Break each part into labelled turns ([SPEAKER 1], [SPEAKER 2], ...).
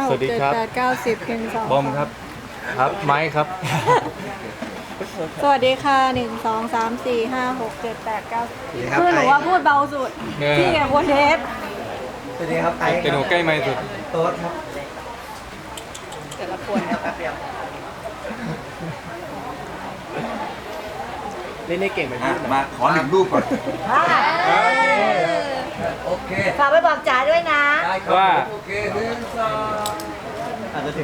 [SPEAKER 1] 6 7 8 9 10เพลง2
[SPEAKER 2] บอมครับครับไม้ครับ
[SPEAKER 1] สวัสดีค่ะ1 2 3 4 5 6 7 8 9คือหนูว่าพูดเบาสุด
[SPEAKER 2] เนี่ย
[SPEAKER 1] พี่แกควรเทส
[SPEAKER 3] สวัสดีครับไอซ์
[SPEAKER 2] เป็นหนูใกล้ไม้สุด
[SPEAKER 3] โต๊ดครับ
[SPEAKER 1] แต่ละคน
[SPEAKER 3] แป๊บเดียวเล่นได้เก่งไหมพี่
[SPEAKER 4] มาขอหนึ่งรูปก่อน โอเค
[SPEAKER 5] ฝากไปบอกจ๋าด้วยนะ
[SPEAKER 4] ได้ครับ
[SPEAKER 2] ว่า
[SPEAKER 4] โอเคหนึ่งสอง
[SPEAKER 3] อาจจะถึง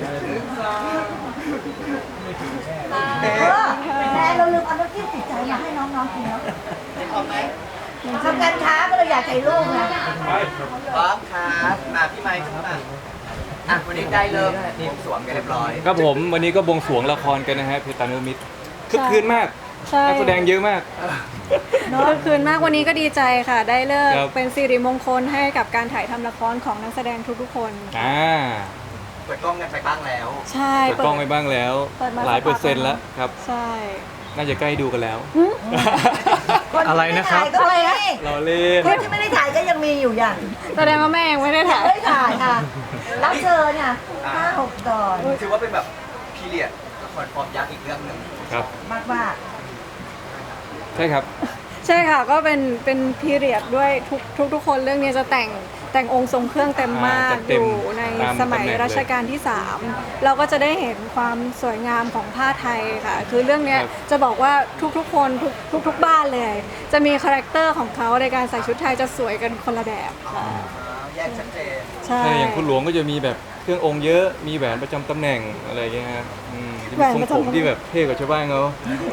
[SPEAKER 5] แต่เราลืมเอาน้ำจิ้มติดใจมาให้น้องๆกินเนาะทำการค้าก็เลยอยากถ่ายรูปนะ
[SPEAKER 3] พร้อมครับมาพี่ไมค์ขึ้นมาอ่ะวันนี้ได้เริ่มนี่สวมกันเรียบร้อย
[SPEAKER 2] ครับผมวันนี้ก็บวงสรวงละครกันนะฮะเพตานุมิตรคึกคืนมาก
[SPEAKER 1] ใช่
[SPEAKER 2] นักแสดงเยอะมาก
[SPEAKER 1] คือคืนมากวันนี้ก็ดีใจค่ะ ได้เลิก
[SPEAKER 2] ครับ
[SPEAKER 1] เป็นสิริมงคลให้กับการถ่ายทำละครของนักแสดงทุกๆคน
[SPEAKER 3] เปิดกล้องกันไปบ้างแล้ว
[SPEAKER 1] ใช่
[SPEAKER 2] เปิดกล้องไปบ้างแล้ว
[SPEAKER 1] เปิดมา
[SPEAKER 2] หลายเปอร์เซ็นต์แล้วครับ
[SPEAKER 1] ใช่
[SPEAKER 2] น่าจะใกล้ดูกันแล้ว
[SPEAKER 5] อะไรนะครับก็ไม่ได้
[SPEAKER 2] เราเล่น
[SPEAKER 5] คนที่ไม่ได้ถ่ายก็ยังมีอยู่อย่าง
[SPEAKER 1] แสดงว่าแม่ยังไม่ได้ถ่าย
[SPEAKER 5] ไม่ได้ถ่ายค่ะรับเชิญเนี่ย5-6 ตอน
[SPEAKER 3] ถือว่าเป็นแบบพีเรียดละครฟอร์มยักษ์อีกเรื่องหนึ่ง
[SPEAKER 2] ครับ
[SPEAKER 5] มาก
[SPEAKER 2] ใช่ครับ
[SPEAKER 1] ใช่ค่ะก็เป็นพีเรียดด้วยทุกคนเรื่องนี้จะแต่งองค์ทรงเครื่องเต็มมาก
[SPEAKER 2] จัดเต็
[SPEAKER 1] อ
[SPEAKER 2] ม
[SPEAKER 1] ยู่ใน
[SPEAKER 2] ตาม
[SPEAKER 1] สมัย
[SPEAKER 2] ตำแหน่งเลย
[SPEAKER 1] รัชกาลที่ 3 เราก็จะได้เห็นความสวยงามของผ้าไทยค่ะ คือเรื่องเนี้ย
[SPEAKER 2] ครับ
[SPEAKER 1] จะบอกว่าทุกๆคนทุกบ้านเลย จะมีคาแรคเตอร์ของเขาในการใส่ชุดไทยจะสวยกันคนละแบบค่ะ
[SPEAKER 3] แยกชัดเจน
[SPEAKER 1] ใช่
[SPEAKER 2] ใช่อย่างคุณหลวงก็จะมีแบบเครื่ององค์เยอะมีแหวนประจำตำแหน่งอะไรอย่างเงี้ยครับจะมีทรงผมที่แบบเท่กว่าชาวบ้านเขา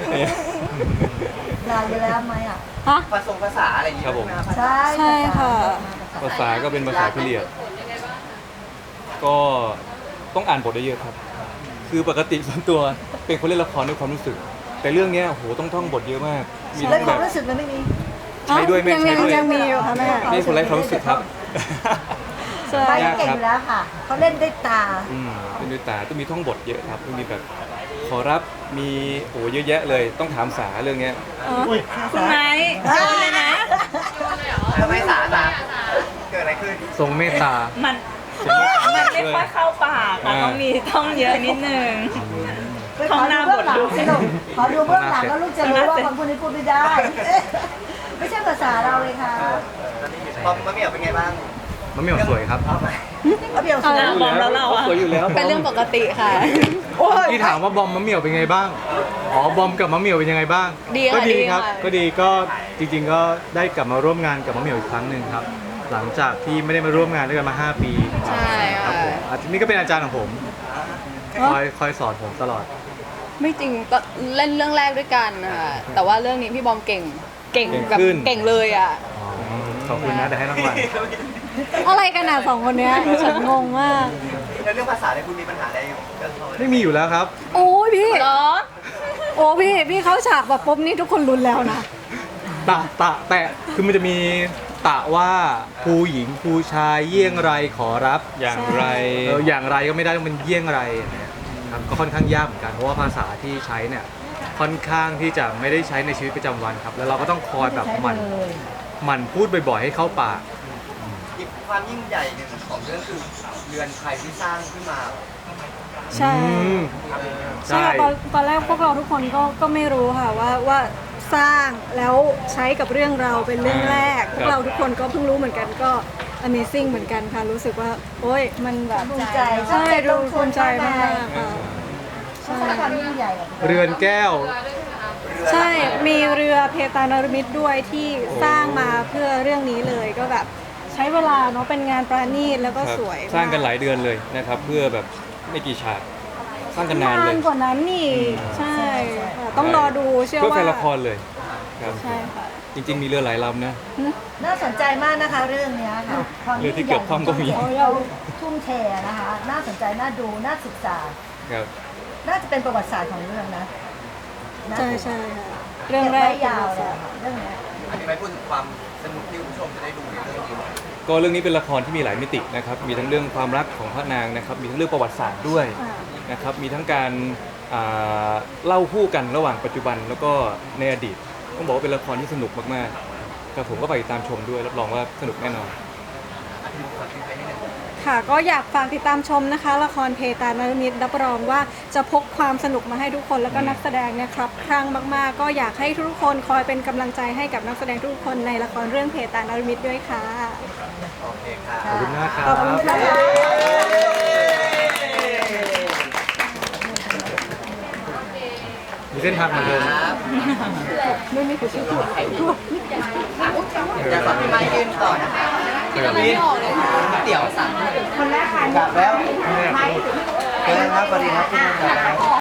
[SPEAKER 5] ๆลายอยู่แล้วไหมอ่ะ
[SPEAKER 1] ฮะ
[SPEAKER 3] ภาษาอะไรอย่างเงี้ย
[SPEAKER 2] ครับผม
[SPEAKER 3] นะ
[SPEAKER 5] ใช่
[SPEAKER 1] ใช่ค่ะ
[SPEAKER 2] ภาษาก็เป็นภาษาพิเรียดก็ต้องอ่านบทเยอะๆครับ คือปกติส่วนตัวเป็นคนเล่นละครด้วยความรู้สึก แต่เรื่องเนี้ยโหต้องท่องบทเยอะมาก มี
[SPEAKER 5] แล้
[SPEAKER 2] ทั้
[SPEAKER 5] ว
[SPEAKER 2] ง
[SPEAKER 5] ค
[SPEAKER 2] แบ
[SPEAKER 5] วาม
[SPEAKER 2] บ
[SPEAKER 5] รู้สึกมันไม่มี
[SPEAKER 2] ใช้ด้วยแม่
[SPEAKER 1] ยัง
[SPEAKER 2] ใช้ด้วย
[SPEAKER 1] ยังมีอยู่ค่ะแม่
[SPEAKER 2] นี่คนไร้ความรู้สึกครับ
[SPEAKER 1] ใช่
[SPEAKER 5] ไปเก่งอยู่แล้วค่ะ เขาเล่นด้วยตา
[SPEAKER 2] เป็นด้วยตาต้องมีท่องบทเยอะครับต้องมีแบบขอรับมีโอ้เยอะแยะเลยต้องถามสาเรื่องเนี้ย
[SPEAKER 1] คุณไม้เลยนะ
[SPEAKER 3] ทำไมสาเกิดอะไรขึ้น
[SPEAKER 2] ทรงเมตตา
[SPEAKER 6] มันไม่ค่อยเข้าปากอะต้องมีท่องเยอะนิดนึง
[SPEAKER 5] ขอดูเบื้องหลังสิลูกขอดูเบื้องหลังแล้วลูกจะรู้ว่าคนพูดนี้พูดไม่ได้ ไม่ใช่ภาษาเราเลยค่ะ
[SPEAKER 3] ปอมมะเหมี่ยวเป็นไงบ้าง
[SPEAKER 2] มะเหมี่ยวสวยครับ
[SPEAKER 3] เอาไหม
[SPEAKER 5] เอาเบี่ยวสุด
[SPEAKER 6] บอมแล้วเราอะ
[SPEAKER 2] สวยอยู่แล้ว
[SPEAKER 1] เป็นเรื่องปกติค่ะ
[SPEAKER 7] ที่ถามว่าบอมมะเหมี่ยวเป็นไงบ้าง อ๋อบอมกับมะเหมี่ยวเป็นยังไงบ้าง
[SPEAKER 1] ดีค่ะ
[SPEAKER 7] ก็ดี
[SPEAKER 1] ดี
[SPEAKER 7] ครับ
[SPEAKER 1] ค่ะ
[SPEAKER 7] ก็ดีก็จริง ๆ ก็ได้กลับมาร่วมงานกับมะเหมี่ยวอีกครั้งหนึ่งครับ หลังจากที่ไม่ได้มาร่วมงานด้วยกันมา 5 ปี
[SPEAKER 1] ใช่
[SPEAKER 7] ครั
[SPEAKER 1] ค่ะ
[SPEAKER 7] บผมอาทิตย์นี้ก็เป็นอาจารย์ของผม คอยสอนผมตลอด
[SPEAKER 8] ไม่จริงก็เล่นเรื่องแรกด้วยกันนะคะแต่ว่าเรื่องนี้พี่บอมเก่งแบบ
[SPEAKER 2] ขึ้น
[SPEAKER 8] เก่งเลยอ่ะ
[SPEAKER 7] ขอบคุณนะแต่ให้รางวัล
[SPEAKER 1] อะไรกันอ่ะสองคนเนี้ยฉันงงมาก
[SPEAKER 3] แล้วเรื่องภาษาเนี่ยคุณมีปัญหาอะไรกับเขาไหม
[SPEAKER 7] ไม่มีอยู่แล้วครับ
[SPEAKER 1] โอ้ยพี่
[SPEAKER 8] เหรอ
[SPEAKER 1] โอ้พี่เข้าฉากแบบปุ๊บนี่ทุกคนรุนแล้วนะ
[SPEAKER 7] แตะคือมันจะมีตะว่าผู้หญิงผู้ชายเยี่ยงไรขอรับ
[SPEAKER 2] อย่างไร
[SPEAKER 7] อย่างไรก็ไม่ได้ต้องเป็นเยี่ยงไรนะครับก็ค่อนข้างยากเหมือนกันเพราะว่าภาษาที่ใช้เนี่ยค่อนข้างที่จะไม่ได้ใช้ในชีวิตประจำวันครับแล้วเราก็ต้องคอยแบบหมั่นพูดบ่อยๆให้เข้าปาก
[SPEAKER 3] อีกความยิ่งใหญ่หนึ่งของเรื่องคือเรือนไทยที่สร้างขึ้นมา
[SPEAKER 1] ใช่
[SPEAKER 7] อืม
[SPEAKER 1] ใช่ค่ะตอนแรกพวกเราทุกคนก็ไม่รู้ค่ะว่าสร้างแล้วใช้กับเรื่องเราเป็นเรื่องแรก พวกเราทุกคนก็เพิ่งรู้เหมือนกันก็ Amazing เหมือนกันค่ะรู้สึกว่า โอ้ยมันแบบ
[SPEAKER 5] ภูมิใจ
[SPEAKER 1] ใช่ดูภูมิใจมากค่ะใช่
[SPEAKER 5] ความยิ่งใหญ่อะ
[SPEAKER 7] เรือนแก้ว
[SPEAKER 1] ใช่มีเรือเพตานรมิตรด้วยที่สร้างมาเพื่อเรื่องนี้เลยก็แบบใช้เวลาเนาะเป็นงานประณีตแล้วก็
[SPEAKER 2] ครับ
[SPEAKER 1] สวย
[SPEAKER 2] สร้างกันหลายเดือนเลยนะครับ เพื่อแบบไม่กี่ฉากสร้างกันนานเลย
[SPEAKER 1] กว่านั้นนี่ใช่ค่ะต้องรอดูเชื่อ
[SPEAKER 2] เพื่อ
[SPEAKER 1] ว่า
[SPEAKER 2] แฟนละครเลยครับ
[SPEAKER 1] ใช่ค่ะ
[SPEAKER 2] จริง ๆ มีเรือหลายลำนะ
[SPEAKER 5] น่าสนใจมากนะคะเรื่องเนี้ยค่ะความ
[SPEAKER 2] เรื่องที่เกี่ยวข้องก็มี
[SPEAKER 5] ที่เราทุ่มเทนะคะ น่าสนใจน่าดูน่าศึกษา
[SPEAKER 2] ครับ
[SPEAKER 5] น่าจะเป็นประวัติศาสตร์ของเรื่องนะนะ
[SPEAKER 1] ใช่ใช่ค่ะ
[SPEAKER 5] เรื่
[SPEAKER 1] เรื่
[SPEAKER 5] อ
[SPEAKER 1] อง ง
[SPEAKER 5] แร
[SPEAKER 1] แร
[SPEAKER 5] ก
[SPEAKER 1] ก
[SPEAKER 5] ยาวเลยค่ะเรื่องเนี้ย
[SPEAKER 3] อันนี้ไม่พูดถึงความสนุกที่คุณผู้ชมจะได้ดูในเรื่องนี้
[SPEAKER 2] ก็เรื่องนี้เป็นละครที่มีหลายมิตินะครับ มีทั้งเรื่องความรักของพระนางนะครับ มีทั้งเรื่องประวัติศาสตร์ด้วย
[SPEAKER 1] ค่ะ
[SPEAKER 2] นะครับ มีทั้งการเล่าคู่กันระหว่างปัจจุบันแล้วก็ในอดีต ต้องบอกว่าเป็นละครที่สนุกมากๆครับผมก็ไปติดตามชมด้วยรับรองว่าสนุกแน่นอน
[SPEAKER 1] คค่ะก็อยากฝากติดตามชมนะคะ ละครเพตานรมิตรับรองว่าจะพกความสนุกมาให้ทุกคนแล้วก็นักแสดงเนี่ยครับครั้งมากๆ ก็อยากให้ทุกคนคอยเป็นกำลังใจให้กับนักแสดงทุกคนในละครเรื่องเพตานรมิตด้วยค่ะ
[SPEAKER 3] โอเคค่ะ
[SPEAKER 7] ขอบคุณมากครับ
[SPEAKER 5] ขอบคุณค่ะ
[SPEAKER 7] มีเส้นทางเหมือนเดิม
[SPEAKER 3] ครับอยากฝากพี่ไม้ยืนต่อนะคะพี่เตี๋ยวสั่ง
[SPEAKER 5] คนแรกค่ะ
[SPEAKER 3] กลับแล้วเจอกันครับสวัสดีครับพี่ไม้กลับแล้ว